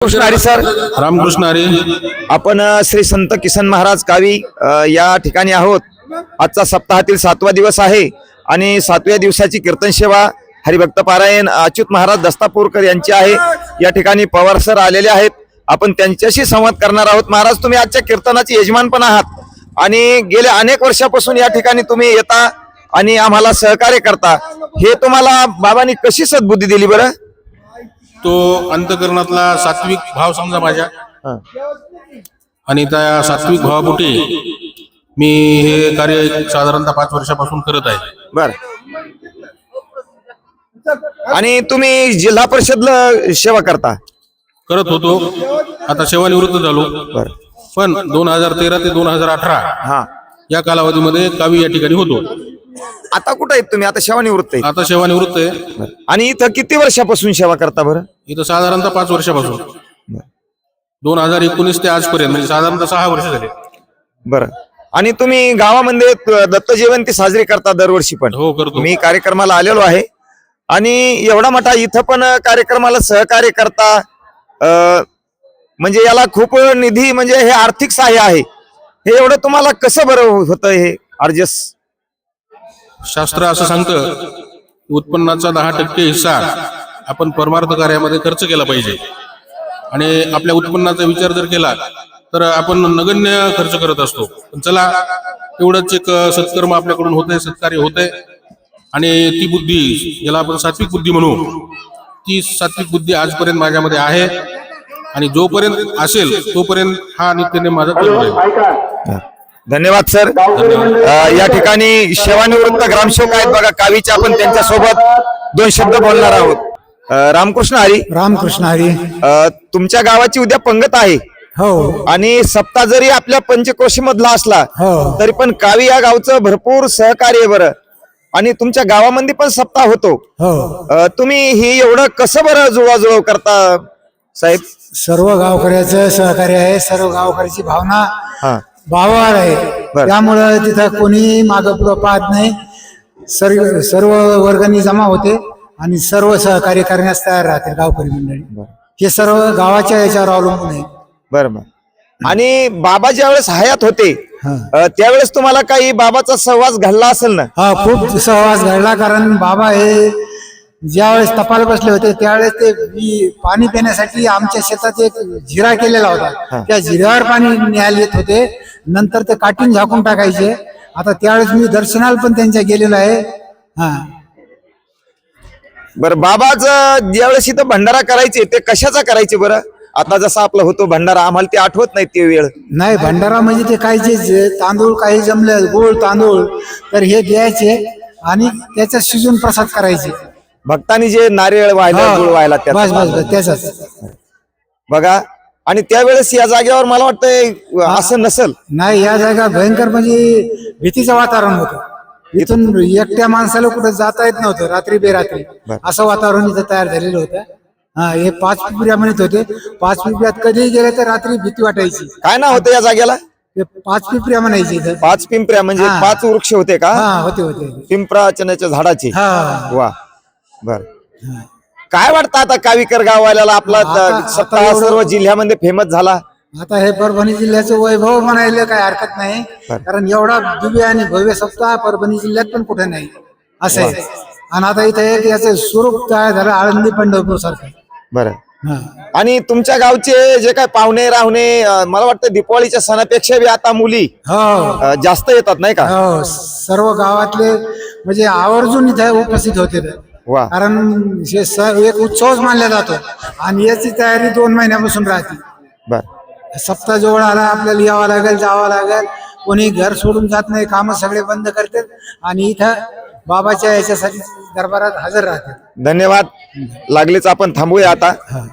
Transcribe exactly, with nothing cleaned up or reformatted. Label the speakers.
Speaker 1: Ramakrishna Hari sir.
Speaker 2: Ramkrishna Hari.
Speaker 1: आपण अ, श्री संत किसन महाराज कावी अ, या ठिकाणी आहोत. आजचा सप्ताहातील सातवा दिवस आहे आणि सातव्या दिवसाची कीर्तन सेवा हरिभक्त पारायण अच्युत महाराज दस्तापूरकर यांची आहे. या ठिकाणी पवार सर आलेले आहेत. आपण त्यांच्याशी संवाद करणार आहोत. महाराज, तुम्ही आजच्या कीर्तनाचे यजमान पण आहात आणि गेल्या अनेक वर्षापासून या ठिकाणी तुम्ही येता आणि आम्हाला सहकार्य करता. हे तुम्हाला बाबांनी कशी सद्बुद्धी दिली बरं?
Speaker 2: तो अंतकरणातला सात्विक भाव समजा माझ्या, आणि त्या सात्विक भावापोटी मी हे कार्य साधारणतः पाच वर्षापासून करत आहे.
Speaker 1: बर. आणि तुम्ही जिल्हा परिषदला सेवा करता?
Speaker 2: करत होतो, आता सेवानिवृत्त झालो.
Speaker 1: बर.
Speaker 2: पण दोन हजार तेरा ते दोन हजार अठरा
Speaker 1: हा,
Speaker 2: या कालावधीमध्ये कावी या ठिकाणी होतो.
Speaker 1: आता कुठे आहेत तुम्ही? आता सेवानिवृत्त आहे.
Speaker 2: आता सेवानिवृत्त आहे.
Speaker 1: आणि इथं किती वर्षापासून सेवा करता बरं?
Speaker 2: इथं साधारणतः पाच वर्षापासून, दोन हजार एकोणीस ते आजपर्यंत, म्हणजे साधारणतः सहा वर्ष झाले.
Speaker 1: बरं. आणि तुम्ही गावामध्ये त- दत्त जयंती साजरी करता दरवर्षी पण?
Speaker 2: हो, करतो.
Speaker 1: मी कार्यक्रमाला आलेलो आहे आणि एवढा मोठा इथं पण कार्यक्रमाला सहकार्य करता. अं, म्हणजे याला खूप निधी, म्हणजे हे आर्थिक सहाय्य आहे. हे एवढं तुम्हाला कसं बरं होतं हे ऍडजस्ट?
Speaker 2: शास्त्र असं सांगतं, उत्पन्नाचा दहा टक्के हिस्सा आपण परमार्थ कार्यामध्ये खर्च केला पाहिजे. आणि आपल्या उत्पन्नाचा विचार जर केला तर आपण नगण्य खर्च करत असतो. पण चला, एवढंच एक सत्कर्म आपल्याकडून होतंय, सत्कार्य होतंय. आणि ती बुद्धी, ज्याला आपण सात्विक बुद्धी म्हणू, ती सात्विक बुद्धी आजपर्यंत माझ्यामध्ये आहे आणि जोपर्यंत असेल तोपर्यंत हा नित्यनेम माझा चालू आहे.
Speaker 1: धन्यवाद सर. अं, या ठिकाणी सेवानिवृत्त ग्रामसेवक आहेत बघा कावीचे. आपण त्यांच्या सोबत दोन शब्द बोलणार आहोत. अं, रामकृष्ण हरी.
Speaker 3: रामकृष्ण हरी.
Speaker 1: अं, तुमच्या गावाची उद्या पंगत आहे
Speaker 3: हो
Speaker 1: आणि सप्ताह जरी आपल्या पंचक्रोशी मधला असला
Speaker 3: हो
Speaker 1: तरी पण कावी या गावचं भरपूर सहकार्य आहे बरं. आणि तुमच्या गावामध्ये पण सप्ताह होतो.
Speaker 3: हो
Speaker 1: अं, तुम्ही ही एवढं कसं बरं जुळवाजुळव करता साहेब?
Speaker 3: सर्व गावकऱ्याचं सहकार्य आहे. सर्व गावकऱ्याची भावना
Speaker 1: हा,
Speaker 3: भावावर आहे.
Speaker 1: बरं.
Speaker 3: त्यामुळं तिथं कोणी मागं पुढं पाहत नाही. सर्व सर्व वर्गणी जमा होते आणि सर्व सहकार्य करण्यास तयार राहते गावकरी मंडळी. हे सर्व गावाच्या याच्यावर अवलंबून आहे.
Speaker 1: बरं बरं. आणि बाबा ज्या वेळेस हयात होते
Speaker 3: हा.
Speaker 1: अं, त्यावेळेस तुम्हाला काही बाबाचा सहवास घडला असेल ना?
Speaker 3: हा, खूप सहवास घडला. कारण बाबा हे ज्यावेळेस तपाल बसले होते त्यावेळेस ते वि- पाणी पिण्यासाठी आमच्या शेतात एक जिरा केलेला होता. त्या जिऱ्यावर पाणी न्यायला येत होते. नंतर ते काठीन झाकून टाकायचे. आता त्यावेळेस मी दर्शनाला पण त्यांच्या गेलेलो आहे. हा,
Speaker 1: बरं. बाबाचं ज्यावेळेस इथं भंडारा करायचे ते कशाचा करायचे बरं? आता जसा आपला होतो भंडारा, आम्हाला ते आठवत नाही ते वेळ.
Speaker 3: नाही, भंडारा म्हणजे ते काही जे जे तांदूळ काही जमले, गोळ तांदूळ, तर हे द्यायचे आणि त्याचा शिजून प्रसाद करायचे.
Speaker 1: भक्तांनी जे नारळ व्हायला,
Speaker 3: हा,
Speaker 1: गुळ व्हायला
Speaker 3: बस
Speaker 1: त्यात
Speaker 3: बस बस त्याचाच.
Speaker 1: बघा. आणि त्यावेळेस या जागेवर मला वाटतंय असं नसल.
Speaker 3: नाही, या जागा भयंकर म्हणजे भीतीचं वातावरण होतं. इथून एकट्या माणसाला कुठं जाता येत नव्हतं रात्री बेरात्री. असं वातावरण इथं तयार झालेलं होतं. हा, हे पाच पिपऱ्या म्हणत होते. पाच पिपऱ्यात कधीही गेले तर रात्री भीती वाटायची.
Speaker 1: काय नाव होतं या जागेला?
Speaker 3: हे पाच पिपऱ्या म्हणायची इथं.
Speaker 1: पाच पिंपऱ्या म्हणजे
Speaker 3: हा.
Speaker 1: पाच वृक्ष होते का?
Speaker 3: हा, होते होते.
Speaker 1: पिंपरा चण्याच्या झाडाचे.
Speaker 3: हा,
Speaker 1: वा. बर. काय वाटतं आता कावीकर गाववाल्याला? आपला
Speaker 3: आता- आता
Speaker 1: सप्ताह
Speaker 3: एवढं-
Speaker 1: सर्व जिल्ह्यामध्ये फेमस झाला.
Speaker 3: आता हे परभणी जिल्ह्याचं वैभव म्हणायला काही हरकत नाही. कारण एवढा दिव्य आणि भव्य सप्ताह परभणी जिल्ह्यात पण कुठे नाही असं आहे. आणि आता इथं एक याचं स्वरूप तयार झालं आळंदी पंढरपूर सारखं.
Speaker 1: बरं.
Speaker 3: हा.
Speaker 1: आणि तुमच्या गावचे जे काय पाहुणे राहुणे, अं, मला वाटतं दिवाळीच्या सणापेक्षा बी आता मुली
Speaker 3: हो
Speaker 1: अं, जास्त येतात नाही का?
Speaker 3: हो, सर्व गावातले म्हणजे आवर्जून इथे उपस्थित होते.
Speaker 1: वा.
Speaker 3: कारण हे स- एक उत्सवच मानला जातो आणि याची तयारी दोन महिन्यापासून राहते.
Speaker 1: बर.
Speaker 3: सप्ताह जवळ आला, आपल्याला यावं लागेल, जावं लागेल. कोणी घर सोडून जात नाही, कामं सगळे बंद करतात आणि इथं बाबाच्या याच्यासाठी दरबारात हजर राहतात.
Speaker 1: धन्यवाद. लागलेच आपण थांबूया आता.